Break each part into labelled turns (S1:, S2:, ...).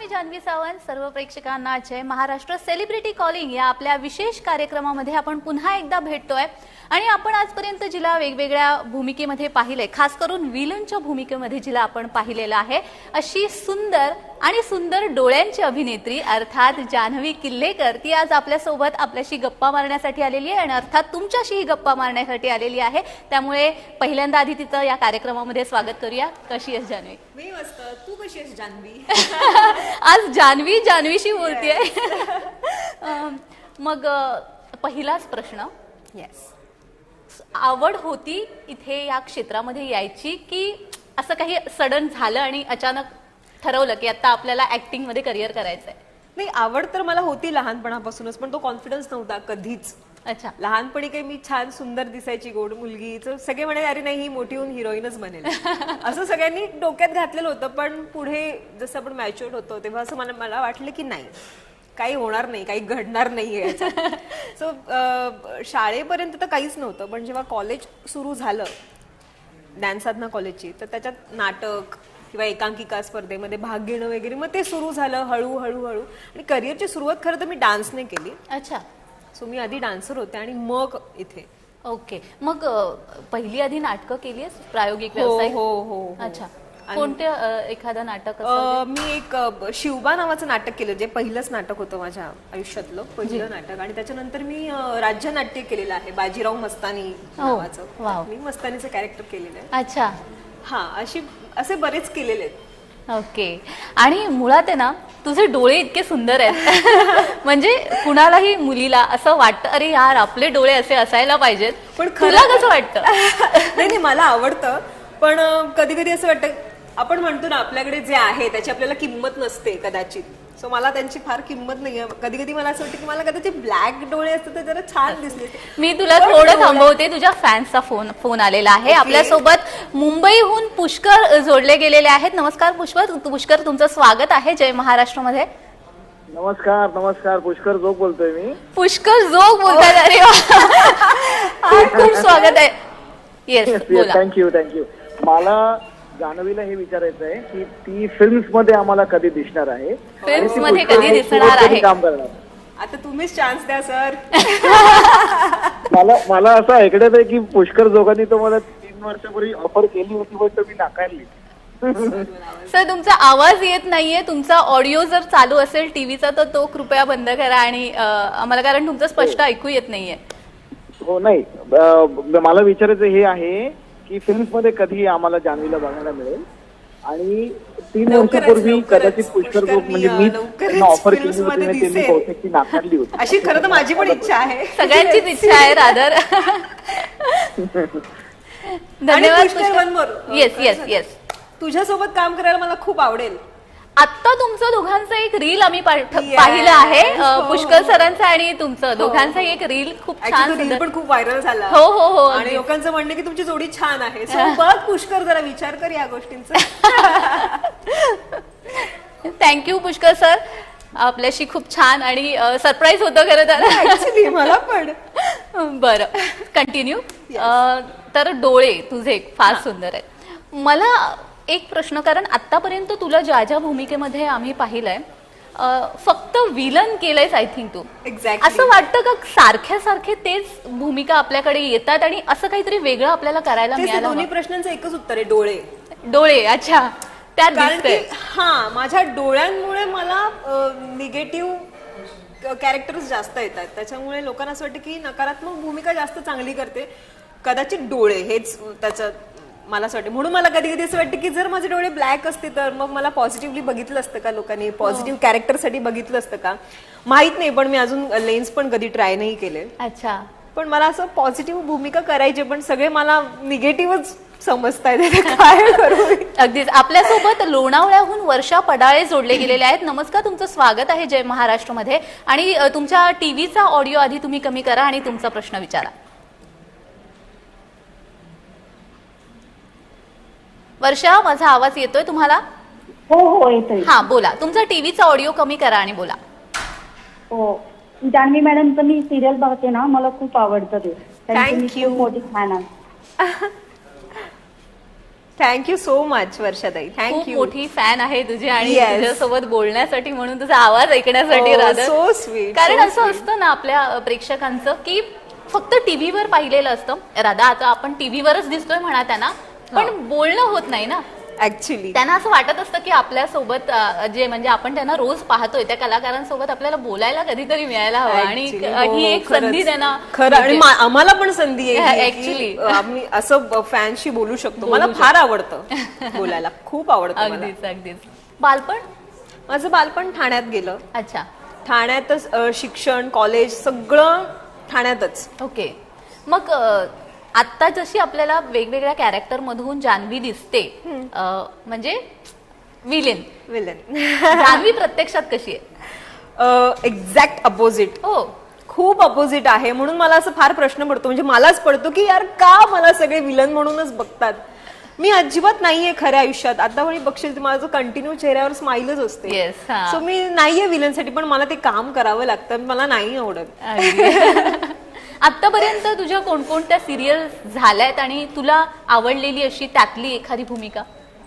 S1: मी जान्हवी सावंत. सर्व प्रेक्षकांना जय Maharashtra. Celebrity calling या आपल्या विशेष कार्यक्रमामध्ये आपण पुन्हा एकदा भेटतोय आणि आपण आजपर्यंत जिला वेगवेगळ्या भूमिकेमध्ये पाहिले, खास करून विलनच्या भूमिकेमध्ये जिला आपण पाहिलेलं आहे, अशी सुंदर आणि सुंदर डोळ्यांची अभिनेत्री अर्थात जान्हवी किल्लेकर ती आज आपल्यासोबत आपल्याशी गप्पा मारण्यासाठी आलेली आहे आणि अर्थात तुमच्याशीही गप्पा मारण्यासाठी आलेली आहे. त्यामुळे पहिल्यांदा आधी तिचं या कार्यक्रमामध्ये स्वागत करूया. कशी आहेस जान्हवी?
S2: मी मस्त. तू कशी आहेस जान्हवी?
S1: आज जान्हवीशी बोलतेय. मग पहिलाच प्रश्न,
S2: येस,
S1: आवड होती इथे या क्षेत्रामध्ये यायची की असं काही सडन झालं आणि अचानक ठरवलं की आता आपल्याला ऍक्टिंग मध्ये करिअर करायचंय?
S2: नाही, आवड तर मला होती लहानपणापासूनच, पण तो कॉन्फिडन्स नव्हता कधीच.
S1: अच्छा.
S2: लहानपणी काही मी छान सुंदर दिसायची, गोड मुलगी, तर सगळे म्हणे अरे नाही, ही मोठी होऊन हिरोईनच बनेल असं सगळ्यांनी डोक्यात घातलेलं होतं. पण पुढे जसं आपण मॅच्युअर्ड होतो तेव्हा असं मला वाटलं की नाही, काही होणार नाही, काही घडणार नाहीये. सो शाळेपर्यंत तर काहीच नव्हतं, पण जेव्हा कॉलेज सुरू झालं ज्ञानसाधना कॉलेजची, तर त्याच्यात नाटक किंवा एकांकिका स्पर्धेमध्ये भाग घेणं वगैरे, मग ते सुरू झालं हळूहळू. आणि करिअरची सुरुवात खरं तर मी डान्सने केली.
S1: अच्छा.
S2: सो मी आधी डान्सर होते आणि मग इथे.
S1: ओके. मग पहिली आधी नाटकं केली आहेस, प्रायोगिक व्यवसाय?
S2: हो.
S1: अच्छा. कोणते एखादं नाटक?
S2: मी एक शिवबा नावाचं नाटक केलं, जे पहिलंच नाटक होतं माझ्या आयुष्यातलं पहिलं नाटक. आणि त्याच्यानंतर मी राज्य नाट्य केलेलं आहे, बाजीराव मस्तानी नावाचं. मी मस्तानीचं कॅरेक्टर केलेलं आहे.
S1: अच्छा.
S2: हा, असे बरेच केलेले आहेत.
S1: ओके. आणि मुळात आहे ना, तुझे डोळे इतके सुंदर आहेत म्हणजे कुणालाही मुलीला असं वाटतं अरे यार आपले डोळे असे असायला पाहिजेत. पण तुला कसं वाटतं?
S2: नाही, मला आवडतं, पण कधी कधी असं वाटतं, आपण म्हणतो ना आपल्याकडे जे आहे त्याची आपल्याला किंमत नसते कदाचित. सो मला त्यांची फार किंमत नाहीये. कधी कधी मला असं वाटतं की मला कदाचित ब्लॅक डोळे असते तर जरा छान दिसले.
S1: मी तुला थोडं थांबवते. तुझ्या फॅन्सचा फोन आलेला आहे. आपल्यासोबत मुंबईहून पुष्कर जोडले गेलेले आहेत. नमस्कार पुष्कर, तुमचं स्वागत आहे जय महाराष्ट्र मध्ये.
S3: नमस्कार. पुष्कर जोग बोलतोय मी.
S1: पुष्कर जोग बोलताय? अरे खूप स्वागत आहे. येस, बोला.
S3: थँक्यू. मला जान्हवीला हे विचारायचं आहे की ती फिल्म्स मध्ये आम्हाला कधी दिसणार आहे?
S1: फिल्म्स मध्ये कधी दिसणार आहे?
S3: काम करणार.
S2: आता तुम्हीच चान्स द्या सर.
S3: मला असं ऐकण्यात आहे की पुष्कर जोगांनी तो मला 3 वर्षापूर्वी ऑफर केली होती, पण मी नाकारली.
S1: सर, तुमचा आवाज येत नाहीये. तुमचा ऑडिओ जर चालू असेल टीव्हीचा तर तो कृपया बंद करा आणि आम्हाला, कारण तुमचं स्पष्ट ऐकू येत नाहीये.
S3: हो, नाही, मला विचारायचं हे आहे की फिल्म्स मध्ये कधी आम्हाला जान्हवीला बघायला मिळेल? आणि 3 वर्षापूर्वी कदाचित पुष्कर जोग म्हणजे मी ऑफर केली होती, त्यांनी बहुतेक ती नाकारली होती.
S2: अशी खरं तर माझी पण इच्छा आहे,
S1: सगळ्यांचीच इच्छा आहे रादर.
S2: धन्यवाद.
S1: येस.
S2: तुझ्यासोबत काम करायला मला खूप आवडेल.
S1: आता तुमचं दोघांचं एक रील आम्ही पाहिलं आहे, पुष्कर सरांचं आणि तुमचं दोघांचं एक रील खूप छान,
S2: रील पण खूप व्हायरल झाला.
S1: हो.
S2: आणि लोकांचं म्हणणं की तुमची जोडी छान आहे. बघ पुष्कर, जरा विचार कर या गोष्टींचा.
S1: थँक्यू पुष्कर सर, आपल्याशी खूप छान आणि सरप्राईज होतं खरं तर.
S2: ऍक्च्युली मला पण.
S1: बरं, कंटिन्यू. तर डोळे तुझे फार सुंदर आहेत. मला एक प्रश्न, कारण आतापर्यंत तुला ज्या भूमिकेमध्ये आम्ही पाहिलंय फक्त विलन केलंयस आय थिंक तू.
S2: एक्झॅक्टली.
S1: असं वाटतं का सारखे तेच भूमिका आपल्याकडे येतात आणि असं काहीतरी वेगळं आपल्याला करायला मिळालं?
S2: दोन्ही प्रश्नांचं एकच उत्तर आहे,
S1: डोळे. अच्छा, त्यात दिसतंय.
S2: हा, माझ्या डोळ्यांमुळे मला निगेटिव्ह कॅरेक्टर्स जास्त येतात. त्याच्यामुळे लोकांना असं वाटतं की नकारात्मक भूमिका जास्त चांगली करते. कदाचित डोळे हेच त्याचं मला असं वाटतं. म्हणून मला कधी कधी असं वाटतं की जर माझे डोळे ब्लॅक असते तर मग मला पॉझिटिव्हली बघितलं असतं का लोकांनी, पॉझिटिव्ह कॅरेक्टरसाठी बघितलं असतं का, माहित नाही. पण मी अजून लेन्स पण कधी ट्राय नाही केले.
S1: अच्छा.
S2: पण मला असं पॉझिटिव्ह भूमिका करायची, पण सगळे मला निगेटिव्हच समजतायत. काय करू?
S1: अगदीच. आपल्यासोबत लोणावळ्याहून वर्षा पडाळे जोडले गेलेले आहेत. नमस्कार, तुमचं स्वागत आहे जय महाराष्ट्र मध्ये. आणि तुमच्या टीव्हीचा ऑडिओ आधी तुम्ही कमी करा आणि तुमचा प्रश्न विचारा. वर्षा, माझा आवाज येतोय तुम्हाला?
S4: हो येतोय.
S1: हा, बोला. तुमचा टीव्हीचा ऑडिओ कमी करा आणि बोला.
S4: हो, जान्हवी मॅडमचं मी सिरियल बघते ना, मला खूप आवडतं ते.
S2: Thank you.
S4: मोठी फॅन आहे.
S2: थँक्यू सो मच वर्षाताई,
S1: खूप
S2: थँक्यू.
S1: मोठी फॅन आहे तुझी आणि
S2: Yes.
S1: तुझ्यासोबत बोलण्यासाठी म्हणून तुझा आवाज ऐकण्यासाठी
S2: Oh,
S1: rather.
S2: so sweet,
S1: कारण
S2: so
S1: असं
S2: sweet.
S1: असतं ना आपल्या प्रेक्षकांचं की फक्त टीव्हीवर पाहिलेलं असतं. राधा आता आपण टीव्हीवरच दिसतोय म्हणा त्यांना, पण बोलणं होत नाही ना.
S2: ऍक्च्युली
S1: त्यांना असं वाटत असतं की आपल्यासोबत जे म्हणजे आपण त्यांना रोज पाहतोय त्या कलाकारांसोबत आपल्याला बोलायला कधीतरी मिळायला हवं आणि ही एक संधी त्यांना
S2: खरं आणि
S1: मिळते.
S2: आम्हाला पण संधी आहे ही
S1: Actually.
S2: की, आम्ही असं फॅनशी बोलू शकतो.
S1: बोलू
S2: मला फार आवडतं बोलायला, खूप आवडतं मला.
S1: अगदीच अगदीच. बालपण
S2: माझं बालपण ठाण्यात गेलं.
S1: अच्छा
S2: ठाण्यातच शिक्षण, कॉलेज सगळं ठाण्यातच.
S1: ओके. मग आता जशी आपल्याला वेगवेगळ्या कॅरेक्टर मधून जान्हवी दिसते म्हणजे विलेन जान्हवी प्रत्यक्षात कशी आहे?
S2: एक्झॅक्ट अपोजिट,
S1: हो
S2: खूप अपोजिट आहे. म्हणून मला असं फार प्रश्न पडतो, म्हणजे मलाच पडतो की यार का मला सगळे विलन म्हणूनच बघतात. मी अजिबात नाहीये खऱ्या आयुष्यात. आता पण बघशील माझं कंटिन्यू चेहऱ्यावर स्माइलच असते.
S1: Yes, हा.
S2: सो मी नाहीये विलनसाठी, पण मला ते काम करावं लागतं, मला नाही आवडत.
S1: आतापर्यंत तुझ्या कोणकोणत्या सिरियल झाल्यात आणि तुला आवडलेली अशी त्यातली एखादी भूमिका?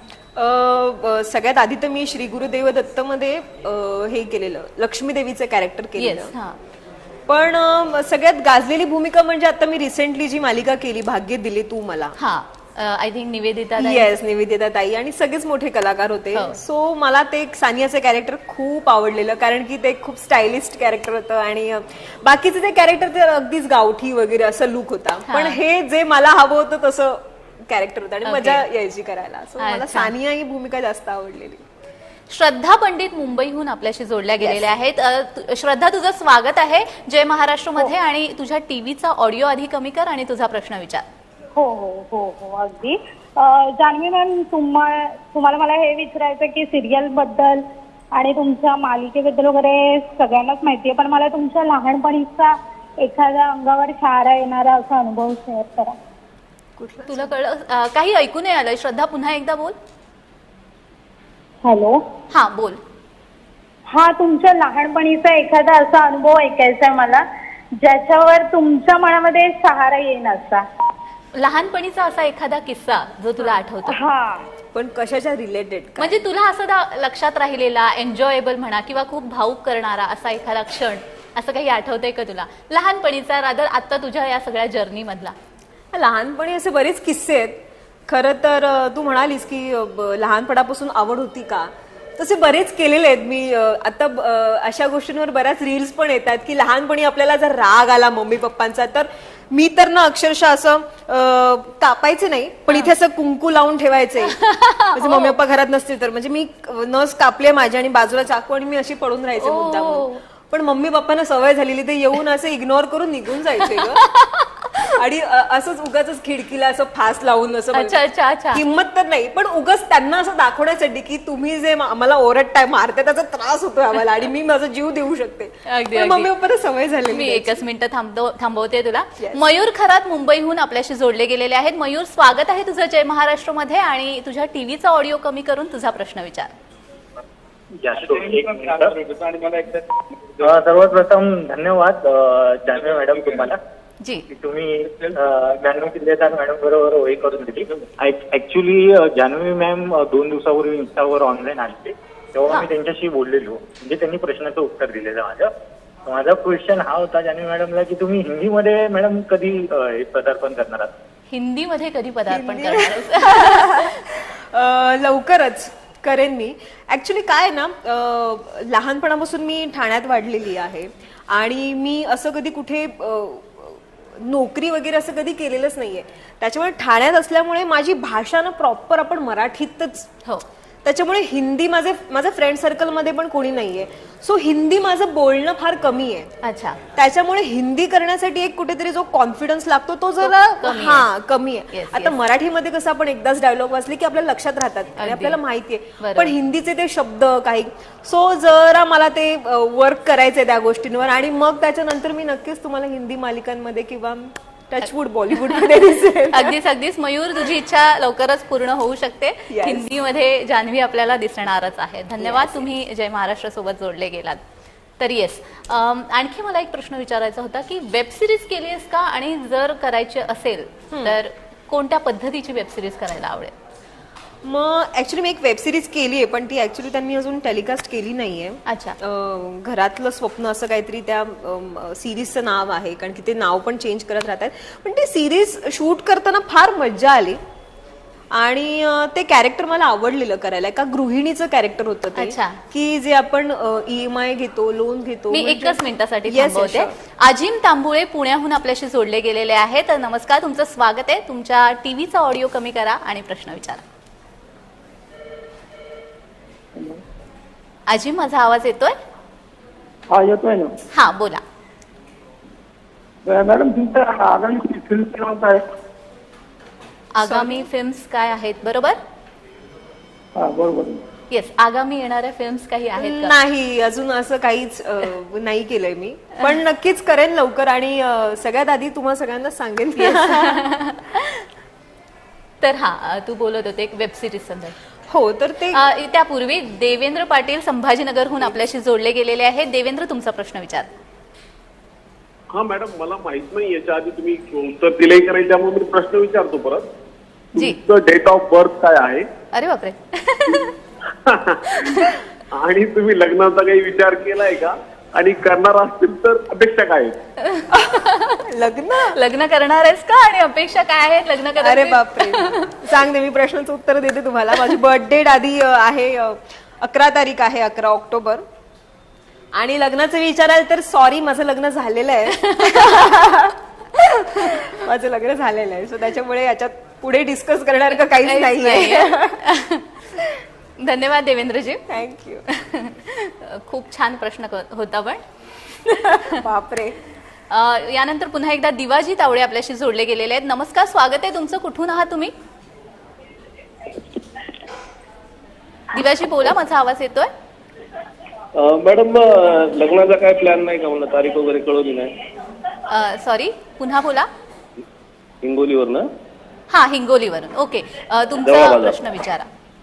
S2: सगळ्यात आधी तर मी श्री गुरुदेव दत्त मध्ये हे केलेलं, लक्ष्मी देवीचं कॅरेक्टर
S1: येस.
S2: केलेलं.
S1: हा
S2: पण सगळ्यात गाजलेली भूमिका म्हणजे आता मी रिसेंटली जी मालिका केली, भाग्य दिले तू मला.
S1: हा आय थिंक निवेदिता ताई.
S2: येस, निवेदिता ताई आणि सगळेच मोठे कलाकार होते.
S1: हो.
S2: सो मला ते सानियाचं कॅरेक्टर खूप आवडलेलं, कारण की ते खूप स्टायलिस्ट कॅरेक्टर होतं आणि बाकीचं ते कॅरेक्टर ते अगदीच गावठी वगैरे असं लुक होता. पण हे जे मला हवं होतं तसं कॅरेक्टर होतं आणि
S1: Okay.
S2: मजा यायची करायला. सो मला
S1: अच्छा.
S2: सानिया ही भूमिका जास्त आवडलेली.
S1: श्रद्धा पंडित मुंबईहून आपल्याशी जोडल्या गेलेल्या आहेत. श्रद्धा, तुझं स्वागत आहे जय महाराष्ट्र मध्ये आणि तुझ्या टीव्हीचा ऑडिओ आधी कमी कर आणि तुझा प्रश्न विचार.
S4: हो हो हो हो अगदी. जान्हवी मॅम, तुम्हाला मला हे विचारायचं की सिरियल बद्दल आणि तुमच्या मालिकेबद्दल वगैरे सगळ्यांनाच माहितीये, पण मला तुमच्या लहानपणीचा एखाद्या अंगावर शहारा येणारा असा अनुभव शेअर करा.
S1: तुला कळलं? काही ऐकू नाही आलं. श्रद्धा, पुन्हा एकदा बोल.
S4: हॅलो.
S1: हा बोल.
S4: हा, तुमच्या लहानपणीचा एखादा असा अनुभव ऐकायचा आहे मला, ज्याच्यावर तुमच्या मनामध्ये सहारा येईन असा.
S1: लहानपणीचा असा एखादा किस्सा जो तुला आठवतो,
S4: हा,
S2: पण कशाच्या रिलेटेड?
S1: म्हणजे तुला असं लक्षात राहिलेला, एन्जॉयबल म्हणा किंवा खूप भावूक करणारा असा एखादा क्षण, असं काही आठवतंय का तुला लहानपणीचा, रादर आता तुझ्या या सगळ्या जर्नी मधला?
S2: लहानपणी असे बरेच किस्से आहेत. खरं तर तू म्हणालीस की लहानपणापासून आवड होती का, तसे बरेच केलेले आहेत मी. आता अशा गोष्टींवर बऱ्याच रील्स पण येतात की लहानपणी आपल्याला जर राग आला मम्मी पप्पांचा, तर मी तर ना अक्षरशः असं कापायचे नाही, पण इथे असं कुंकू लावून ठेवायचे. म्हणजे मम्मी पप्पा घरात नसतील तर, म्हणजे मी नस कापले माझी आणि बाजूला चाकू आणि मी अशी पडून राहायचे मुद्दाम. पण मम्मी पप्पांना सवय झालेली, ते येऊन असं इग्नोर करून निघून जायचे ग. आणि असंच उगाच खिडकीला असं फास लावून असं
S1: अच्छा अच्छा अच्छा.
S2: हिंमत तर नाही, पण उगाच त्यांना असं दाखवण्यासाठी की तुम्ही जे आम्हाला ओरडताय, मारते, त्याचा त्रास होतोय आम्हाला आणि मी माझा जीव देऊ शकते.
S1: अगदी
S2: मम्मी पप्पांना सवय झाली.
S1: मी एकच मिनिट थांबवते तुला. मयूर खरात मुंबईहून आपल्याशी जोडले गेलेले आहेत. मयूर, स्वागत आहे तुझं जय महाराष्ट्र मध्ये आणि तुझ्या टीव्हीचा ऑडिओ कमी करून तुझा प्रश्न विचार.
S5: सर्वात प्रथम धन्यवाद जान्हवी मॅडम तुम्हाला
S1: जी.
S5: की तुम्ही जान्हवी किल्लेदार मॅडम बरोबर ओळी करून दिली. ऍक्च्युली जान्हवी मॅम 2 दिवसापूर्वी इंस्टावर ऑनलाईन आले, तेव्हा मी त्यांच्याशी बोललेलो, म्हणजे त्यांनी प्रश्नाचं उत्तर दिलेलं माझं. माझा क्वेश्चन हा होता जान्हवी मॅडमला की तुम्ही हिंदीमध्ये मॅडम कधी पदार्पण करणार आहात?
S1: हिंदीमध्ये कधी पदार्पण करणार?
S2: लवकरच करेन मी. ऍक्च्युली काय ना, लहानपणापासून मी ठाण्यात वाढलेली आहे आणि मी असं कधी कुठे नोकरी वगैरे असं कधी केलेलंच नाहीये. त्याच्यामुळे ठाण्यात असल्यामुळे माझी भाषा ना प्रॉपर आपण मराठीतच.
S1: हो.
S2: त्याच्यामुळे हिंदी माझ्या फ्रेंड सर्कलमध्ये पण कोणी नाहीये. सो हिंदी माझं बोलणं फार कमी आहे.
S1: अच्छा.
S2: त्याच्यामुळे हिंदी करण्यासाठी एक कुठेतरी जो कॉन्फिडन्स लागतो तो जरा कमी आहे. आता मराठीमध्ये कसं आपण एकदाच डायलॉग वाचले की आपल्याला लक्षात राहतात आणि आपल्याला माहितीये, पण हिंदीचे ते शब्द काही. सो जरा मला ते वर्क करायचंय त्या गोष्टींवर आणि मग त्याच्यानंतर मी नक्कीच तुम्हाला हिंदी मालिकांमध्ये किंवा टचवूड बॉलिवूडमध्ये दिसेल.
S1: अगदीच मयूर, तुझी इच्छा लवकरच पूर्ण होऊ शकते. हिंदीमध्ये जान्हवी आपल्याला दिसणारच आहे. धन्यवाद, तुम्ही जय महाराष्ट्र सोबत जोडले गेलात. तर येस, आणखी मला एक प्रश्न विचारायचा होता की वेब सिरीज केली आहेस का, आणि जर करायची असेल तर कोणत्या पद्धतीची वेब सिरीज करायला आवडेल?
S2: मग ऍक्च्युली मी एक वेब सिरीज केली आहे, पण ती ऍक्च्युली त्यांनी अजून टेलिकास्ट केली नाहीये.
S1: अच्छा.
S2: घरातलं स्वप्न असं काहीतरी त्या सिरीजचं नाव आहे, कारण की ते नाव पण चेंज करत राहतात. पण ती सिरीज शूट करताना फार मज्जा आली आणि ते कॅरेक्टर मला आवडलेलं करायला. एका गृहिणीचं कॅरेक्टर होतं ते,
S1: अच्छा.
S2: की जे आपण EMI घेतो, लोन घेतो.
S1: मी
S2: म्हणजे-
S1: एकच मिनिटासाठी
S2: Yes, yes,
S1: थांबवते.
S2: sure.
S1: अजिम तांबुळे पुण्याहून आपल्याशी जोडले गेलेले आहेत. नमस्कार, तुमचं स्वागत आहे. तुमच्या टीव्हीचा ऑडिओ कमी करा आणि प्रश्न विचारा. अजिम, माझा आवाज येतोय?
S3: हा येतोय ना.
S1: हा, बोला.
S3: मॅडम तुमचं आगामी फिल्म क्रमांक आहे?
S1: आगामी फिल्म्स काय आहेत, बरोबर?
S3: हा बरोबर.
S1: येस, आगामी येणाऱ्या फिल्म्स काही आहेत का?
S2: नाही, अजून असं काहीच नाही केलंय मी, पण नक्कीच करेन लवकर आणि सगळ्यात आधी तुम्हाला सगळ्यांना सांगेन.
S1: तर हा, तू बोलत होते एक वेब सिरीज संदर्भात.
S2: हो, तर ते
S1: त्यापूर्वी देवेंद्र पाटील संभाजीनगरहून आपल्याशी जोडले गेलेले आहेत. देवेंद्र, तुमचा प्रश्न विचार.
S6: हा मॅडम, मला माहित नाही याच्या आधी तुम्ही उत्तर दिले की नाही, त्यामुळे मी प्रश्न विचारतो परत.
S1: जी.
S6: तुमचं डेट ऑफ बर्थ काय आहे?
S1: अरे बापरे.
S6: आणि तुम्ही लग्नाचा काही विचार केलाय का? आणि करणार असतील तर अपेक्षा काय आहेत?
S2: लग्न
S1: करणार आहेस का आणि अपेक्षा काय आहेत लग्न करायची?
S2: अरे बापरे. सांगते, मी प्रश्नाचं उत्तर देते तुम्हाला. माझी बर्थ डेट आधी आहे 11 तारीख आहे, 11 ऑक्टोबर. आणि लग्नाचं विचाराल तर सॉरी, माझं लग्न झालेलं आहे. माझं लग्न झालेलं आहे, सो त्याच्यामुळे याच्यात पुढे डिस्कस करणार का काहीच नाहीये.
S1: धन्यवाद देवेंद्रजी.
S2: थँक्यू.
S1: खूप छान प्रश्न होता. पण
S2: बापरे.
S1: यानंतर पुन्हा एकदा दिवाजी तावडे आपल्याशी जोडले गेलेले आहेत. नमस्कार, स्वागत आहे तुमचं. कुठून आहात तुम्ही? दिवाजी बोला, माझा आवाज येतोय?
S7: मॅडम, लग्नाचा काय प्लॅन नाही का? मला तारीख वगैरे कळवली नाही.
S1: सॉरी, पुन्हा बोला.
S7: हिंगोलीवर ना?
S1: हा, हिंगोलीवरून. ओके, तुमचा
S7: जवळ
S1: प्रश्न विचारा.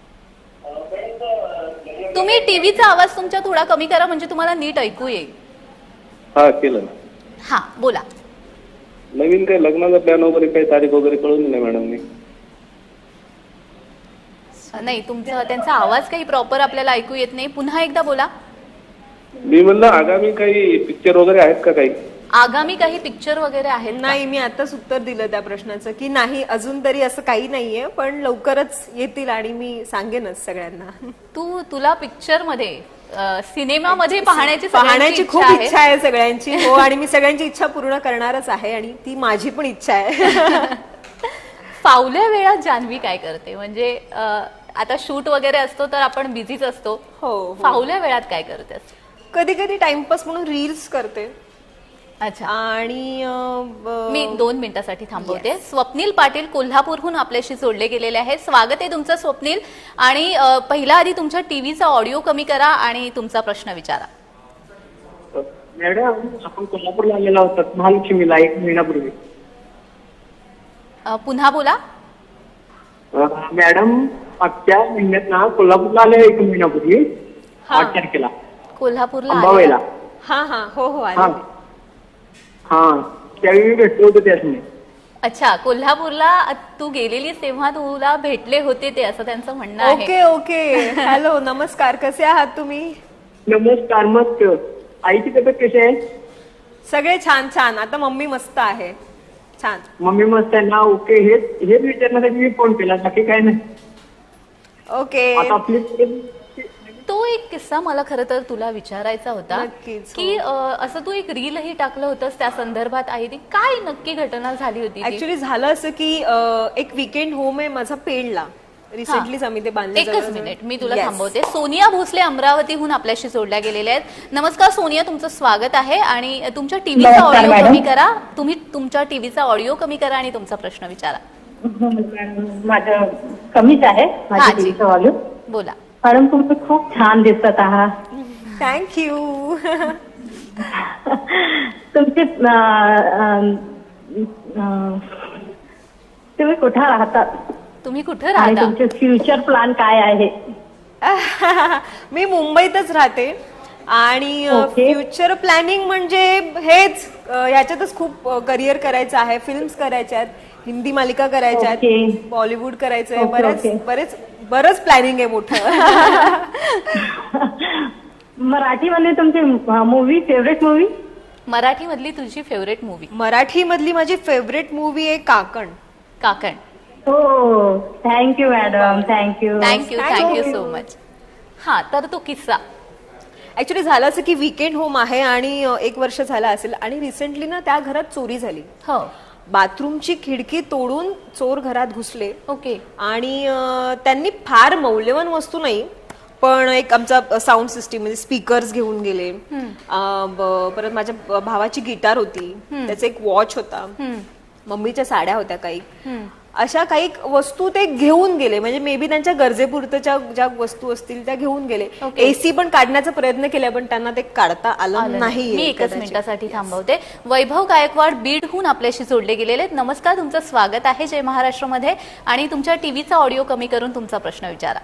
S1: तुम्ही टीव्हीचा आवाज तुमच्या थोडा कमी करा, म्हणजे तुम्हाला नीट ऐकू येईल.
S7: हा, केलं ना.
S1: हा, बोला.
S7: नवीन काय लग्नाचा प्लॅन वगैरे काही तारीख वगैरे कळवली नाही मॅडमनी.
S1: नाही, तुमचा त्यांचा आवाज काही प्रॉपर आपल्याला ऐकू येत नाही. पुन्हा एकदा बोला.
S7: मी म्हणलं आगामी काही पिक्चर वगैरे आहेत का काही?
S1: आगामी काही पिक्चर वगैरे आहेत का?
S2: नाही, मी आताच उत्तर दिलं त्या प्रश्नाचं की नाही, अजून तरी असं काही नाहीये, पण लवकरच येतील आणि मी सांगेनच सगळ्यांना.
S1: तुला पिक्चर मध्ये सिनेमामध्ये पाहण्याची
S2: खूप इच्छा आहे सगळ्यांची. हो, आणि मी सगळ्यांची इच्छा पूर्ण करणारच आहे आणि ती माझी पण इच्छा आहे.
S1: फावल्या वेळात जान्हवी काय करते? म्हणजे आता शूट वगैरे असतो तर आपण बिझीच असतो.
S2: हो.
S1: फावल्या वेळात काय करते?
S2: कधी कधी टाइमपास म्हणून रील्स करते.
S1: अच्छा.
S2: आणि
S1: मी 2 मिनिटासाठी थांबवते. स्वप्नील पाटील कोल्हापूरहून आपल्याशी जोडले गेलेले आहेत. स्वागत आहे तुमचं स्वप्नील. आणि पहिला आधी तुमच्या टीव्हीचा ऑडिओ कमी करा आणि तुमचा प्रश्न विचारा.
S3: मॅडम, आपण कोल्हापूरला आलेला होता महालक्ष्मीला 1 महिन्यापूर्वी.
S1: पुन्हा बोला.
S3: मॅडम, मागच्या महिन्यात ना कोल्हापूरला आले 1 महिन्यापूर्वी, 8 तारखेला
S1: कोल्हापूरला
S3: अंबाबाईला.
S2: हा हा, हो हो,
S3: हा
S2: आले.
S3: हा, त्यावेळी भेटलो होतो त्यासनी.
S1: अच्छा, कोल्हापूरला तू गेलेलीस तेव्हा तुला भेटले होते ते, असं त्यांचं म्हणणं आहे.
S2: Okay okay. हॅलो, नमस्कार, कसे आहात तुम्ही?
S3: नमस्कार, मस्त. आईची तब्येत कशी आहे?
S2: सगळे छान छान. आता मम्मी मस्त आहे, छान.
S3: मम्मी मस्त आहे ना? ओके. हेच विचारण्यासाठी मी फोन केला, बाकी काय नाही.
S2: ओके.
S3: आता आपली
S1: तो एक किस्सा मला खरं तर तुला विचारायचा होता.
S2: नक्कीच, हो.
S1: की असं तू एक रीलही टाकलं होतंस त्या संदर्भात आहे ती काय नक्की घटना झाली होती ती?
S2: ऍक्च्युली झालं असं की एक वीकेंड होम आहे माझा पेडला. रिसेंटलीच आम्ही ते बांधले.
S1: एकच मिनिट, मी तुला थांबवते. सोनिया भोसले अमरावतीहून आपल्याशी जोडल्या गेलेल्या आहेत. नमस्कार सोनिया, तुमचं स्वागत आहे. आणि तुमच्या टीव्हीचा ऑडिओ कमी करा. तुम्ही तुमच्या टीव्हीचा ऑडिओ कमी करा आणि तुमचा प्रश्न विचारा.
S4: माझं कमीच आहे
S1: हा जी.
S4: ऑडिओ.
S1: बोला.
S4: मॅडम, तुम्ही खूप छान दिसत आहात.
S2: थँक्यू.
S4: तुमचे तुम्ही कुठे राहतात
S1: तुम्ही कुठे
S4: आणि
S1: राहता?
S4: तुमचे फ्युचर प्लॅन काय आहे?
S2: मी मुंबईतच राहते आणि
S4: ओके.
S2: फ्युचर प्लॅनिंग म्हणजे हेच, ह्याच्यातच खूप करिअर करायचं आहे, फिल्म्स करायच्या आहेत, हिंदी मालिका करायच्या
S4: Okay.
S2: आहेत, बॉलिवूड करायचंय,
S4: Okay,
S2: बरंच प्लॅनिंग आहे मोठं.
S4: मराठीमध्ये तुमची मूवी फेवरेट मूवी?
S1: मराठीमधली तुझी फेवरेट मूवी?
S2: मराठी मधली माझी फेवरेट मूवी आहे काकण.
S1: काकण.
S4: हो, thank you madam, thank you.
S1: Thank you so much. हा, तर तो किस्सा.
S2: ऍक्च्युली झालं असं की वीकेंड होम आहे आणि 1 वर्ष झालं असेल आणि रिसेंटली ना त्या घरात चोरी झाली.
S1: हो.
S2: बाथरूमची खिडकी तोडून चोर घरात घुसले
S1: ओके.
S2: आणि त्यांनी फार मौल्यवान वस्तू नाही पण एक आमचा साऊंड सिस्टीम म्हणजे स्पीकर्स घेऊन गेले. परत माझ्या भावाची गिटार होती, त्याचा एक वॉच होता, मम्मीच्या साड्या होत्या काही, अशा काही वस्तू ते घेऊन गेले. म्हणजे मे बी त्यांच्या गरजेपुरतच्या ज्या वस्तू असतील त्या घेऊन गेले. एसी पण काढण्याचा प्रयत्न केला पण त्यांना ते काढता आलं नाही.
S1: मी एकच मिनिटासाठी थांबवते. वैभव गायकवाड बीडहून आपल्याशी जोडले गेलेले आहेत. नमस्कार, तुमचं स्वागत आहे जय महाराष्ट्रमध्ये. आणि तुमच्या टीव्हीचा ऑडिओ कमी करून तुमचा प्रश्न विचारा.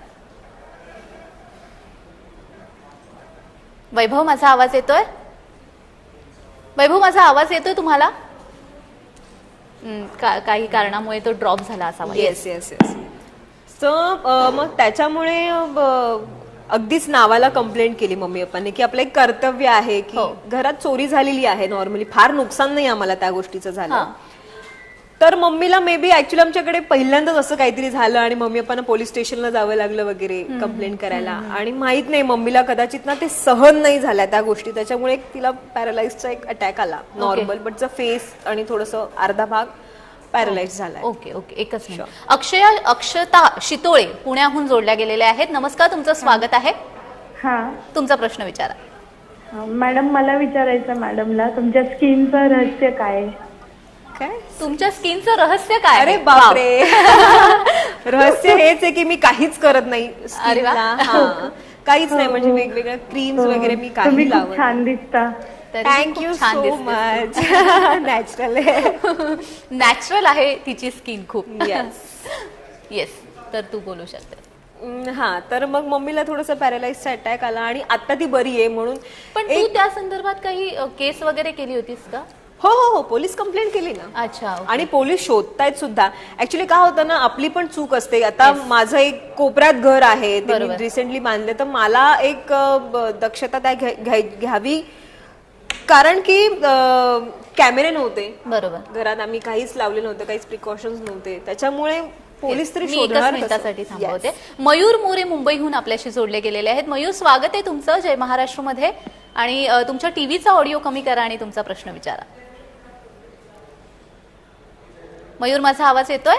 S1: वैभव, माझा आवाज येतोय? वैभव, माझा आवाज येतोय तुम्हाला? काही कारणामुळे तो ड्रॉप झाला असावा.
S2: Yes yes yes. सो मग त्याच्यामुळे अगदीच नावाला कंप्लेंट केली मम्मी पप्पांनी की आपलं एक कर्तव्य आहे की घरात चोरी झालेली आहे. नॉर्मली फार नुकसान नाही आम्हाला त्या गोष्टीचं झालं. तर मम्मीला मे बी ऍक्च्युली आमच्याकडे पहिल्यांदाच असं काहीतरी झालं आणि मम्मी पप्पांना पोलीस स्टेशनला जावं लागलं वगैरे कंप्लेंट करायला. आणि माहित नाही मम्मीला कदाचित ना ते सहन नाही झाल्या त्या गोष्टी, त्याच्यामुळे तिला पॅरालाइजचा एक अटॅक आला नॉर्मल, बट फेस आणि थोडंसं अर्धा भाग पॅरालाइज झाला.
S1: ओके ओके, एकच मिनिट. अक्षता शितोळे पुण्याहून जोडल्या गेलेल्या आहेत. नमस्कार, तुमचं स्वागत आहे.
S4: हा
S1: तुमचा प्रश्न विचारा.
S4: मॅडम, मला विचारायचं मॅडमला, तुमच्या स्किनचं रहस्य काय आहे?
S2: काय
S1: तुमच्या स्किनचं रहस्य काय?
S2: अरे बापरे. रहस्य हेच आहे की मी काहीच करत नाही स्किनला. काहीच नाही, म्हणजे वेगवेगळ्या क्रीम्स वगैरे मी काही
S4: तुम्ही खूप
S2: लावत.
S4: छान दिसता.
S2: Thank you so much. नॅचरल आहे.
S1: नॅचरल आहे तिची स्किन खूप.
S2: येस
S1: येस, तर तू बोलू शकते.
S2: हा, तर मग मम्मीला थोडंसं पॅरालाइजचा अटॅक आला आणि आता ती बरी आहे म्हणून.
S1: पण तू त्या संदर्भात काही केस वगैरे केली होतीस का?
S2: हो हो हो, पोलीस कंप्लेंट केली ना.
S1: अच्छा.
S2: आणि पोलीस शोधतायत सुद्धा. ऍक्च्युली काय होतं ना, आपली पण चूक असते. आता माझं एक कोपऱ्यात घर आहे, ते मी रिसेंटली बांधले, तर मला एक दक्षता त्या घ्यावी, कारण की कॅमेरे नव्हते
S1: बरोबर
S2: घरात, आम्ही काहीच लावले नव्हते, काहीच प्रिकॉशन्स नव्हते, त्याच्यामुळे पोलीस तरी
S1: मी एकच
S2: शोधणार
S1: मिनिटासाठी थांबवते. मयूर मोरे मुंबईहून आपल्याशी जोडले गेलेले आहेत. मयूर, स्वागत आहे तुमचं जय महाराष्ट्रमध्ये. आणि तुमच्या टीव्हीचा ऑडिओ कमी करा आणि तुमचा प्रश्न विचारा. मयूर, माझा आवाज येतोय?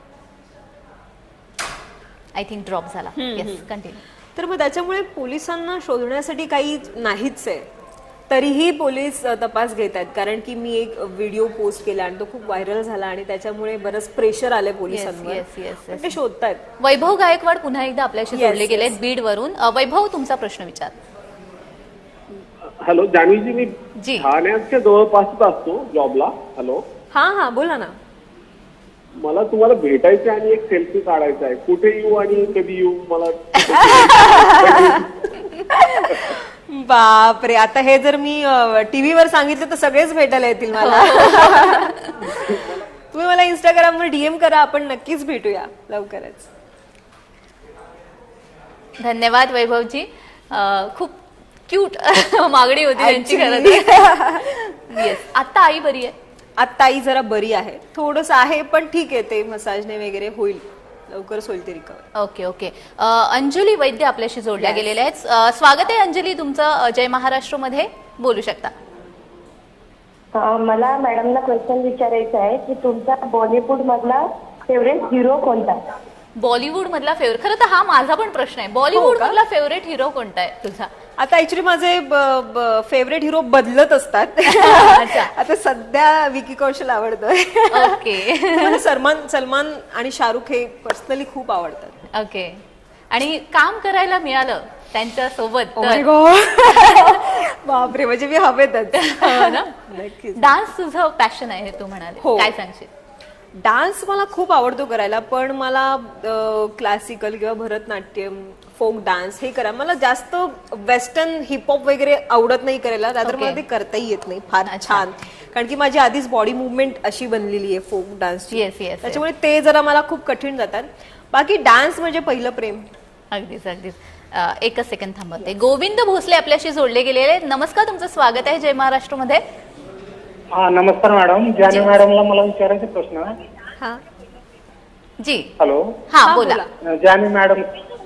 S1: आय थिंक ड्रॉप झाला. Yes, continue.
S2: तर मग त्याच्यामुळे पोलिसांना शोधण्यासाठी काही नाहीच आहे, तरीही पोलीस तपास घेत आहेत. कारण की मी एक व्हिडिओ पोस्ट केला आणि तो खूप व्हायरल झाला आणि त्याच्यामुळे बरंच प्रेशर आलंय पोलिसांवर. ते शोधतायत.
S1: वैभव गायकवाड पुन्हा एकदा आपल्याशी जोडले गेले बीड वरून. वैभव, तुमचा प्रश्न विचार.
S6: हॅलो जान्हवीजी, मी
S1: जी.
S6: ठाण्याच्या जवळपासच असतो जॉबला. हॅलो.
S2: हा हा, बोला ना.
S6: मला तुम्हाला भेटायचं आणि एक सेल्फी काढायचा आहे. कुठे येऊ आणि कधी येऊ मला?
S2: बापरे, आता हे जर मी टीव्हीवर सांगितलं तर सगळेच भेटायला येतील मला. तुम्ही मला इंस्टाग्रामवर डीएम करा, आपण नक्कीच भेटूया लवकरच.
S1: धन्यवाद वैभवजी. खूप क्यूट मागणी होती त्यांची खरं. येस. आता आई बरी आहे?
S2: आता आई जरा बरी आहे, थोडंसं आहे पण ठीक आहे, ते मसाजने वगैरे होईल, लवकरच होईल ते recover.
S1: Okay okay. Anjali Vaidya आपल्याशी जोडल्या गेलेल्या आहेत. स्वागत आहे अंजली तुमचं जय महाराष्ट्रमध्ये. बोलू शकता.
S4: मला मॅडमला क्वेश्चन विचारायचं आहे की तुमचा बॉलिवूड मधला फेवरेट हिरो कोणता?
S1: बॉलिवूड मधला फेवरेट, खरं तर हा माझा पण प्रश्न आहे. बॉलिवूड मधला फेवरेट हिरो कोणता आहे तुझा?
S2: आता ऍक्च्युली माझे फेवरेट हिरो बदलत असतात. आता सध्या विकी कौशल आवडतोय.
S1: ओके.
S2: सलमान आणि शाहरुख हे पर्सनली खूप आवडतात.
S1: ओके. आणि काम करायला मिळालं त्यांच्या सोबत
S2: बापरे, म्हणजे मी हवेतच.
S1: नक्कीच. डान्स तुझं पॅशन आहे तू म्हणाले, काय सांगशील?
S2: डान्स मला खूप आवडतो करायला, पण मला क्लासिकल किंवा भरतनाट्यम, फोक डान्स हे करा. मला जास्त वेस्टर्न हिपहॉप वगैरे आवडत नाही करायला, रादर मला ते करताही येत नाही फार छान. कारण की माझी आधीच बॉडी मुवमेंट अशी बनलेली आहे फोक डान्सची.
S1: Yes, yes, yes.
S2: त्याच्यामुळे ते जरा मला खूप कठीण जातात. बाकी डान्स म्हणजे पहिलं प्रेम.
S1: अगदीच अगदीच. एकच सेकंड थांबवते. गोविंद भोसले आपल्याशी जोडले गेलेले आहेत. नमस्कार, तुमचं स्वागत आहे जय महाराष्ट्रमध्ये.
S8: हा नमस्कार मॅडम. जानवी मॅडमला मला विचारायचा प्रश्न आहे.
S2: हा
S1: जी
S8: हॅलो.
S1: हा बोला.
S8: जानवी मॅडम,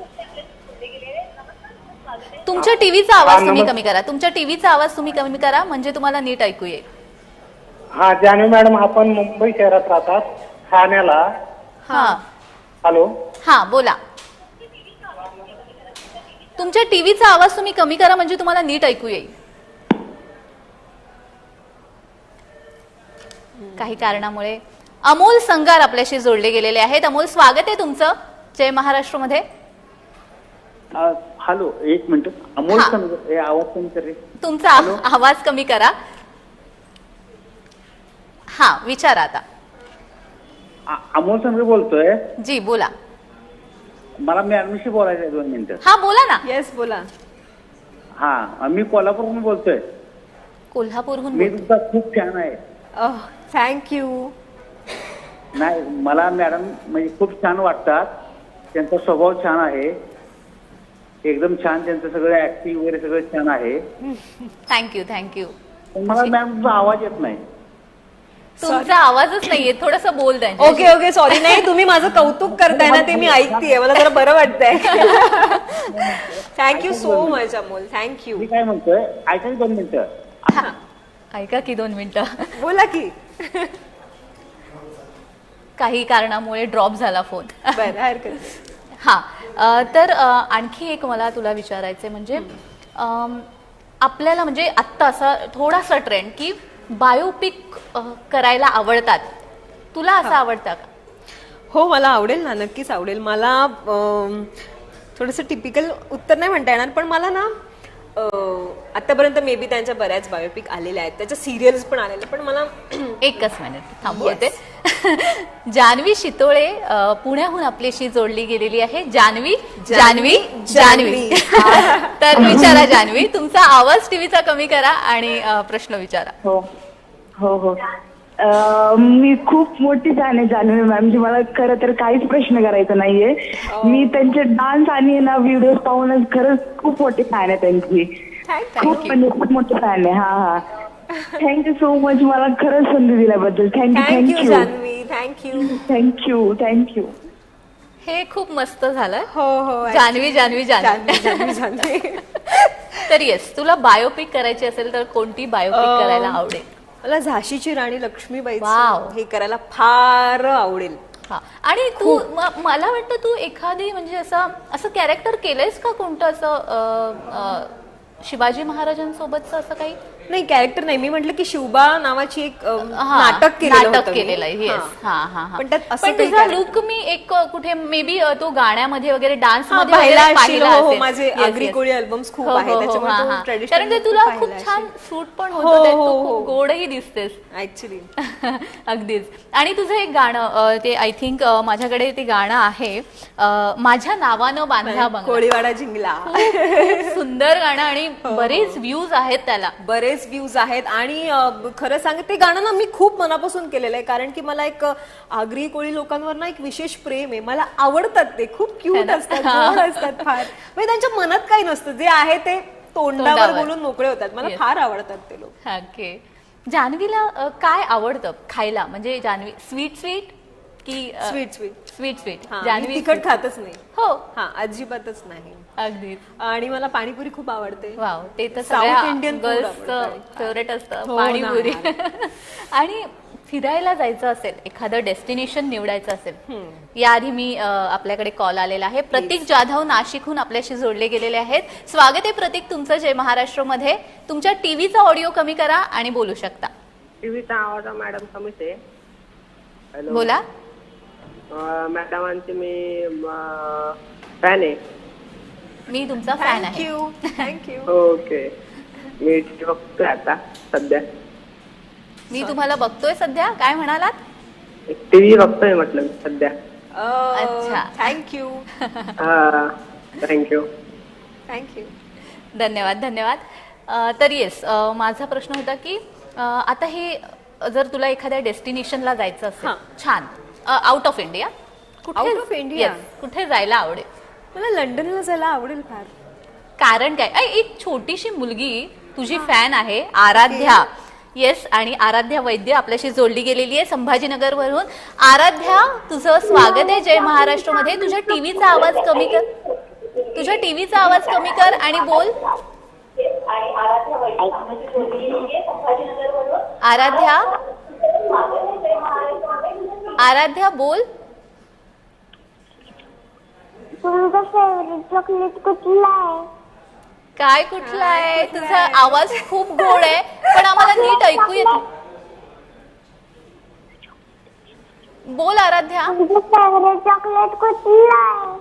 S1: तुमच्या टीव्हीचा आवाज तुम्ही
S8: नमस्कार.
S1: कमी करा. तुमच्या टीव्हीचा आवाज तुम्ही कमी करा म्हणजे तुम्हाला नीट ऐकू येईल.
S8: हा जानवी मॅडम, आपण मुंबई शहरात राहतात, ठाण्याला.
S1: हा
S8: हॅलो.
S1: हा बोला. तुमच्या टीव्हीचा आवाज तुम्ही कमी करा म्हणजे तुम्हाला नीट ऐकू येईल. काही कारणामुळे अमोल संगार आपल्याशी जोडले गेलेले आहेत. अमोल, स्वागत आहे तुमचं जय महाराष्ट्रमध्ये.
S3: हॅलो, एक मिनिट. अमोल
S1: हा.
S3: हे आवाज कमी कर रे.
S1: तुमचा आवाज कमी करा. हा विचारा आता.
S3: अमोल संघ बोलतोय.
S1: जी बोला.
S3: मला मॅडमशी बोलायचं आहे 2 मिनिटं.
S1: हा बोला ना.
S2: येस बोला.
S3: हा, मी कोल्हापूरहून बोलतोय.
S1: कोल्हापूरहून
S3: मी
S1: बोलते.
S3: तुमचा खूप फॅन आहे.
S2: थँक्यू.
S3: नाही, मला मॅडम म्हणजे खूप छान वाटतात. त्यांचा स्वभाव छान आहे, एकदम छान. त्यांचं सगळं ऍक्टिंग वगैरे सगळं छान आहे.
S1: Thank you thank you.
S3: पण मला मॅम तुमचा आवाज येत नाही.
S1: तुमचा आवाजच नाहीये, थोडस बोल द्या.
S2: Okay okay, sorry. नाही, तुम्ही माझं कौतुक करताय ना, ते मी ऐकतेय, मला जरा बरं वाटतंय. Thank you so much Amol. Thank you.
S3: मी काय म्हणतोय, ऐका 2 मिनिटं.
S1: ऐका की 2 मिनिटं.
S2: बोला की.
S1: काही कारणामुळे ड्रॉप झाला फोन.
S2: बरं, हरकत नाही.
S1: हा तर आणखी एक मला तुला विचारायचंय म्हणजे आपल्याला म्हणजे आत्ता असा थोडासा ट्रेंड की बायोपिक करायला आवडतात. तुला असं आवडतं का?
S2: हो, मला आवडेल ना, नक्कीच आवडेल. मला थोडंसं टिपिकल उत्तर नाही म्हणता येणार, पण मला ना आतापर्यंत मे बी त्यांच्या बऱ्याच बायोपिक आलेल्या आहेत, त्याच्या सिरियल्स पण आलेल्या, पण मला
S1: एकच मिनिट थांबवते. जान्हवी शितोळे पुण्याहून आपल्याशी जोडली गेलेली आहे. जान्हवी जान्हवी जान्हवी. तर विचारा जान्हवी, तुमचा आवाज टीव्हीचा कमी करा आणि प्रश्न विचारा.
S9: हो हो हो. मी खूप मोठी फॅन आहे जानवी मॅमची. मला खरं तर काहीच प्रश्न करायचा नाहीये. मी त्यांचे डान्स आणि ना व्हिडिओ पाहूनच खरंच खूप मोठी फॅन आहे त्यांची. खूप म्हणजे खूप मोठी फॅन आहे. हा हा. थँक्यू सो मच, मला खरंच संधी दिल्याबद्दल. Thank you
S2: thank you
S9: thank you
S2: Janhavi. Thank you.
S9: Thank you thank you.
S1: हे खूप मस्त झालं.
S2: हो हो.
S1: जान्हवी जान्हवी जान्हवी.
S2: जान्हवी जान्हवी.
S1: तर येस, तुला बायोपिक करायची असेल तर कोणती बायोपिक करायला आवडेल?
S2: मला झाशीची राणी लक्ष्मीबाई
S1: वाव.
S2: हे करायला फार आवडेल.
S1: हा. आणि तू मला वाटतं तू एखादी म्हणजे असं कॅरेक्टर केलंयस का कोणतं असं शिवाजी महाराजांसोबतचं असं काही?
S2: नाही, कॅरेक्टर नाही. मी म्हटलं की शिवबा नावाची एक
S1: हा,
S2: नाटक केलेलं होतं मी.
S1: केलेलं आहे. येस. हा हा हा.
S2: पण त्यात असं
S1: पण
S2: काही
S1: तुझा
S2: character-
S1: लुक मी एक कुठे मे बी तो गाण्यामध्ये वगैरे डान्स
S2: हा,
S1: मध्ये
S2: पाहिला
S1: वगैरे
S2: असशील. हो, हो,
S1: असेल.
S2: माझे
S1: Yes,
S2: Agri
S1: yes.
S2: Koli albums खूप
S1: हो,
S2: आहेत,
S1: हो, हो,
S2: त्याच्यामुळे
S1: हा,
S2: तो
S1: हा.
S2: ट्रेडिशनल
S1: कारण ते तुला खूप छान सूट पण होतं त्यात, तू खूप गोडही दिसतेस.
S2: ऍक्च्युली.
S1: अगदीच. आणि तुझं एक गाणं ते आय थिंक माझ्याकडे ते गाणं आहे माझ्या नावानं बांधा बंगला.
S2: कोळीवाडा जिंकला.
S1: खूप सुंदर गाणं आणि बरेच व्ह्यूज आहेत त्याला.
S2: बरेच व्ह्यूज आहेत. आणि खरं सांग, ते गाणं ना मी खूप मनापासून केलेलं आहे, कारण की मला एक आगरी कोळी लोकांवर ना एक विशेष प्रेम आहे. मला आवडतात ते. खूप क्यूट असतात, गोड असतात फार. म्हणजे त्यांच्या मनात काही नसतं, जे आहे ते तोंडावर बोलून मोकळे होतात. मला फार आवडतात ते लोक.
S1: ओके. जान्हवीला काय आवडतं खायला? म्हणजे जान्हवी स्वीट स्वीट की
S2: sweet sweet.
S1: Sweet sweet?
S2: Janhavi
S1: Janhavi
S2: तिखट खातच नाही.
S1: हो,
S2: हा, अजिबातच नाही.
S1: अगदीच.
S2: आणि मला पाणीपुरी खूप आवडते.
S1: वाव, ते तर
S2: South
S1: सगळ्या
S2: Indian food
S1: गर्ल्सचं
S2: आवडतं.
S1: फेवरेट असतं
S2: हो
S1: पाणीपुरी.
S2: ना.
S1: आणि फिरायला जायचं असेल, एखादं डेस्टिनेशन निवडायचं असेल, याआधी मी आपल्याकडे कॉल आलेला आहे. प्रतीक जाधव नाशिकहून आपल्याशी जोडले गेलेले आहेत. स्वागत आहे प्रतीक तुमचं जय महाराष्ट्रमध्ये. तुमच्या टीव्हीचा ऑडिओ कमी करा आणि बोलू शकता.
S10: टीव्हीचा आवाज मॅडम कमीच आहे. हॅलो
S1: बोला.
S10: मॅडमांचे मी फॅन आहे.
S1: मी तुमचा फॅन आहे.
S2: थँक्यू. थँक्यू.
S10: ओके. मी टीव्ही बघतोय आता सध्या.
S1: मी तुम्हाला बघतोय सध्या. काय म्हणालात?
S10: टीव्ही बघतोय म्हटलं मी सध्या.
S1: अच्छा.
S2: थँक्यू.
S10: हा, थँक्यू.
S2: थँक्यू.
S1: धन्यवाद धन्यवाद. तर येस, माझा प्रश्न होता की आता हे जर तुला एखाद्या डेस्टिनेशनला जायचं असेल
S2: हां.
S1: छान out of India
S2: Out of India?
S1: कुठे जायला आवडेल?
S2: मला लंडनला जायला आवडेल फार.
S1: कारण काय एक छोटीशी मुलगी तुझी फॅन आहे आराध्या. येस, आणि आराध्या वैद्य आपल्याशी जोडली गेलेली आहे संभाजीनगर वरून. आराध्या, तुझं स्वागत आहे जय महाराष्ट्र मध्ये. तुझ्या टीव्हीचा आवाज कमी कर, तुझ्या टीव्हीचा आवाज कमी कर आणि बोल. आराध्या, आराध्या बोल.
S4: तुमचा फेवरेट चॉकलेट कुठला आहे?
S1: काय कुठला आहे? तुझा आवाज खूप गोड आहे पण आम्हाला नीट ऐकू येत नाही. बोल आराध्या.
S4: तुमचं फेवरेट चॉकलेट कुठला आहे?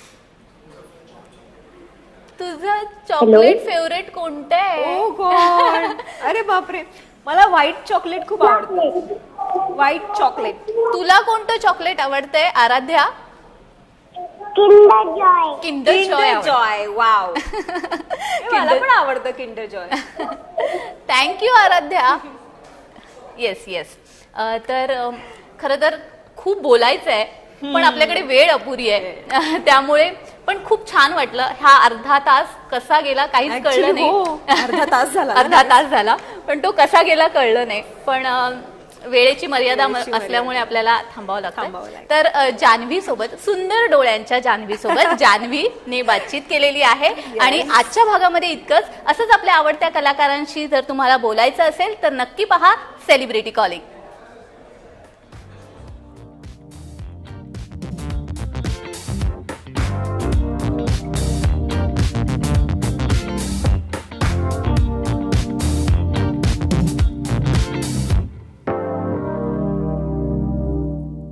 S1: तुझं चॉकलेट फेवरेट कोणतं आहे?
S2: Oh God. अरे बापरे, मला व्हाईट चॉकलेट खूप आवडतं. White chocolate.
S1: तुला कोणतं चॉकलेट आवडतंय Aaradhya?
S4: Kinder Joy.
S1: Kinder
S2: Kinder
S1: Joy.
S2: Joy. Wow. मला पण आवडतं Kinder Joy.
S1: Thank you Aaradhya. Yes yes. तर खरं तर खूप बोलायचं आहे पण आपल्याकडे वेळ अपुरी आहे त्यामुळे पण खूप छान वाटलं. हा अर्धा तास कसा गेला काहीच कळलं
S2: Actually,
S1: नाही.
S2: हो, अर्धा तास झाला.
S1: अर्धा तास झाला पण तो कसा गेला कळलं नाही. पण वेळेची मर्यादा असल्यामुळे आपल्याला थांबावं लागतं. तर जान्हवी सोबत, सुंदर डोळ्यांच्या जान्हवी सोबत जान्हवीने बातचीत केलेली आहे. आणि आजच्या भागामध्ये इतकंच. असंच आपल्या आवडत्या कलाकारांशी जर तुम्हाला बोलायचं असेल तर नक्की पहा सेलिब्रिटी कॉलिंग.